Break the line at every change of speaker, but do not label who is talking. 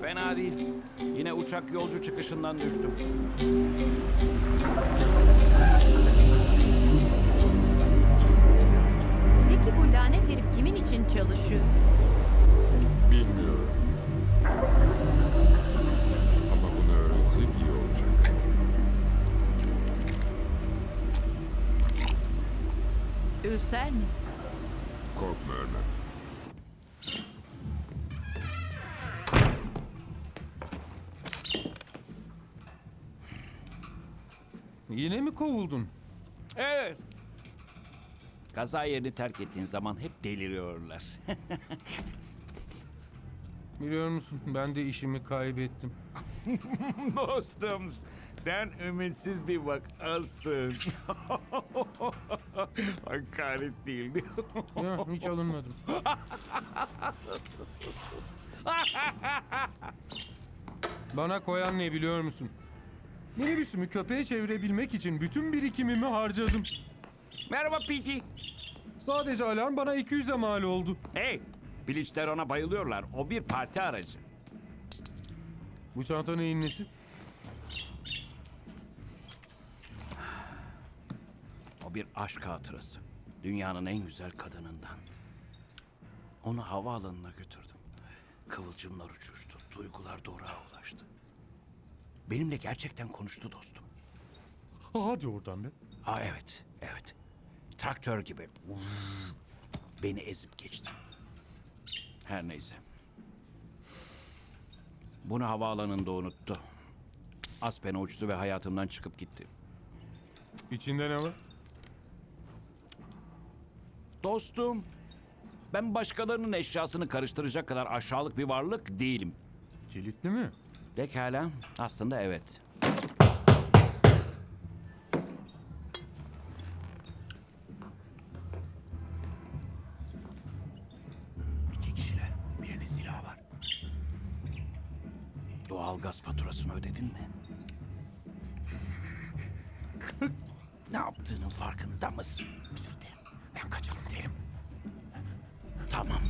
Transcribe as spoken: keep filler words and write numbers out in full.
Fena değil. Yine uçak yolcu çıkışından düştüm.
Peki bu lanet herif kimin için çalışıyor?
Bilmiyorum. Ama bunu öğrensek iyi olacak.
Ülser mi?
Korkma ölmem.
Yine mi kovuldun?
Evet. Kaza yerini terk ettiğin zaman hep deliriyorlar.
Biliyor musun, ben de işimi kaybettim.
Dostum, sen ümitsiz bir vakasın. Hakaret değildi.
Ya, hiç alınmadım. Bana koyan ne biliyor musun? Minibüsümü köpeğe çevirebilmek için bütün birikimimi harcadım.
Merhaba Pete.
Sadece alarm bana iki yüze mal oldu.
Hey, Piliçler ona bayılıyorlar. O bir parti aracı.
Bu çanta neyin nesi?
O bir aşk hatırası. Dünyanın en güzel kadınından. Onu havaalanına götürdüm. Kıvılcımlar uçuştu. Duygular doruğa ulaştı. Benimle gerçekten konuştu dostum.
Hadi oradan be.
Ha evet, evet. Traktör gibi. Beni ezip geçti. Her neyse. Bunu havaalanında unuttu. Aspen'e uçtu ve hayatımdan çıkıp gitti.
İçinde ne var?
Dostum, ben başkalarının eşyasını karıştıracak kadar aşağılık bir varlık değilim.
Kilitli mi?
Pekala, aslında evet. İki kişiler, birinin silahı var. Doğalgaz faturasını ödedin mi? Ne yaptığının farkında mısın? Özür dilerim, ben kaçalım derim. Tamam.